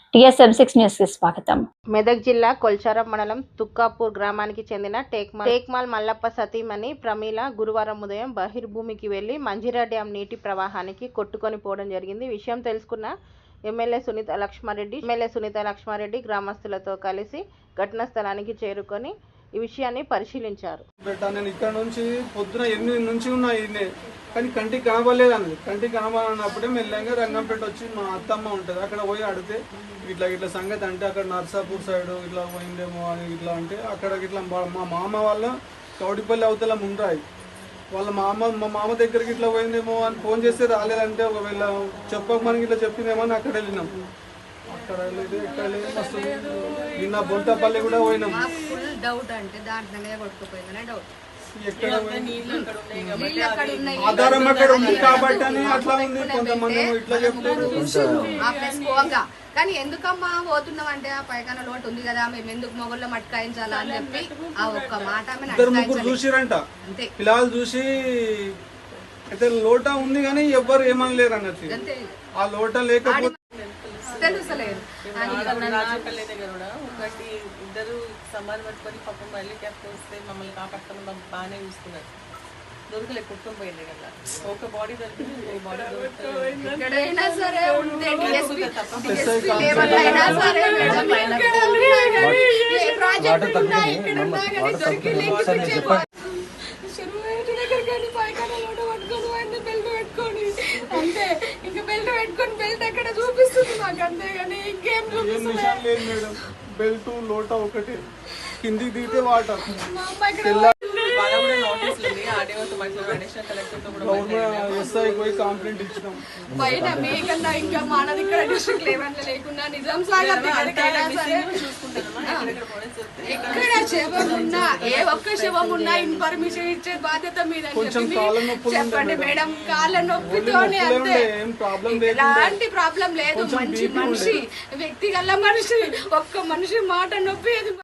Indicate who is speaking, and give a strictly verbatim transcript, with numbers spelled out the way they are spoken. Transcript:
Speaker 1: TSM six news కి స్వాగతం.
Speaker 2: మెదక్ జిల్లా కొల్చారం మండలం తుక్కాపూర్ గ్రామానికి చెందిన టేక్మాల్ టేక్మాల్ మల్లప్ప సతీమణి ప్రమీల గురువారం ఉదయం బహిర్భూమికి వెళ్లి మంజీరా డ్యాం నీటి ప్రవాహానికి కొట్టుకొని పోవడం జరిగింది. విషయం తెలుసుకున్న ఎమ్మెల్యే సునీత లక్ష్మారెడ్డి ఎమ్మెల్యే సునీత లక్ష్మారెడ్డి గ్రామస్తులతో కలిసి ఘటనా స్థలానికి చేరుకొని ఈ విషయాన్ని పరిశీలించారు.
Speaker 3: నేను ఇక్కడ నుంచి పొద్దున ఎనిమిది నుంచి ఉన్నా ఇన్నే కానీ కంటికి కనబడలేదు అన్నది. కంటికి కనబడినప్పుడే మెల్లగా రంగంపేట వచ్చి మా అత్తమ్మ ఉంటుంది అక్కడ పోయి అడిగితే ఇట్లా ఇట్లా సంగతి అంటే అక్కడ నర్సాపూర్ సైడ్ ఇట్లా పోయిందేమో అని ఇట్లా అంటే అక్కడ ఇట్లా మా మామ వాళ్ళ కౌడిపల్లి అవతల ముండ్రాయి వాళ్ళ మామ మా మామ దగ్గరికి ఇట్లా పోయిందేమో అని ఫోన్ చేస్తే రాలేదంటే ఒకవేళ చెప్పక మనకి ఇట్లా చెప్పిందేమో అని అక్కడ వెళ్ళినాం. అక్కడ వెళ్ళేది ఎక్కడ లేదు మస్తు నిన్న బొంతపల్లి కూడా పోయినాం. ఆధారం అక్కడ ఉంది కాబట్టి అని అట్లా ఉంది. కొంతమంది ఇట్లా చెప్తారు
Speaker 4: కానీ ఎందుకమ్మా పోతున్నాం అంటే ఆ పైకాన లోటు ఉంది కదా మేము ఎందుకు మొగల్లో మట్కాయించాలా అని చెప్పి ఆ ఒక్క మాట
Speaker 3: ఇద్దరు ముగ్గురు చూసిరంట. పిల్లలు చూసి అయితే లోట ఉంది కానీ ఎవ్వరు ఏమనలేరు అన్నట్టు. ఆ లోట లేకపోతే
Speaker 4: తెలుసలేదు
Speaker 5: ఒకటి ఇద్దరు సమాధి పట్టుకొని పక్కన మళ్ళీ క్యాప్ వస్తే మమ్మల్ని కాపాడుకొని బాగానే చూసుకున్నారు. దొరకలే కుటుంబం పోయింది కదా ఒక బాడీ దొరికింది. బాడీ
Speaker 4: ఎక్కడైనా సరే అంతే ఇంకా బెల్ట్ పెట్టుకొని బెల్ట్ ఎక్కడ చూపిస్తుంది మాకు అంతేగాని ఇంకేం చూపిస్తుంది.
Speaker 3: బెల్ట్ లోట ఒకటి కిందికి దిగితే వాటర్ కంప్లైంట్ ఇచ్చినాం.
Speaker 4: బయట మీకన్నా ఇంకా మానది ఇక్కడ డిస్ట్రిక్ట్ లెవెల్ లేకుండా నిజాం సాగర్ ఎక్కడ శవం ఉన్నా ఏ ఒక్క శవం ఉన్నా ఇన్ఫర్మేషన్ ఇచ్చే బాధ్యత మీద చెప్పండి మేడం. కాళ్ళ నొప్పితోనే అంతే, ఎలాంటి ప్రాబ్లం లేదు. మంచి మనిషి, వ్యక్తిగల మనిషి, ఒక్క మనిషి మాట నొప్పి